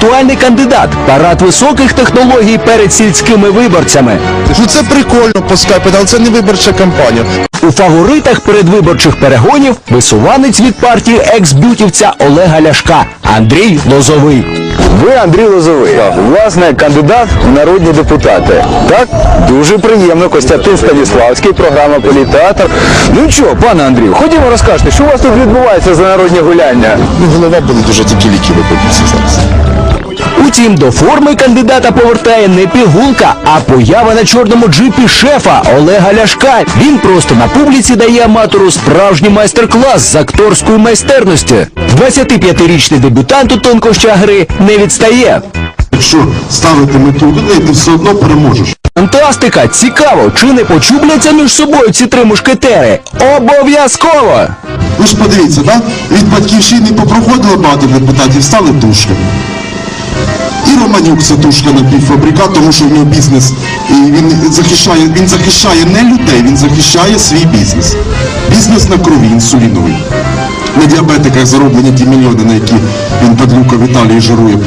актуальний кандидат. Парад високих технологій перед сільськими виборцями. Ну це прикольно по скайпу, але це не виборча кампанія. У фаворитах передвиборчих перегонів висуванець від партії екс-бютівця Олега Ляшка Андрій Лозовий. Ви Андрій Лозовий, власне, кандидат в народні депутати. Так? Дуже приємно. Костянтин Станіславський, програма «Політеатр». Ну що, пане Андрію, ходімо розкажете, що у вас тут відбувається за народні гуляння? Ну, голова болить, дуже тільки ліки випадуться зараз. Утім, до форми кандидата повертає не пігулка, а поява на чорному джипі шефа Олега Ляшка. Він просто на публіці дає аматору справжній майстер-клас з акторської майстерності. 25-річний дебютант у тонкощах гри не відстає. Якщо ставити мету людей, ти все одно переможеш. Фантастика! Цікаво, чи не почубляться між собою ці три мушкетери? Обов'язково! Ви ж подивіться, да? Від Батьківщини попроходило багато депутатів, стали тушками. І Романюк це тушка напівфабрикат, тому що в нього бізнес, і він захищає не людей, він захищає свій бізнес. Бізнес на крові, інсуліновий. На діабетиках зароблені ті мільйони, на які він падлюка в Італії жирує.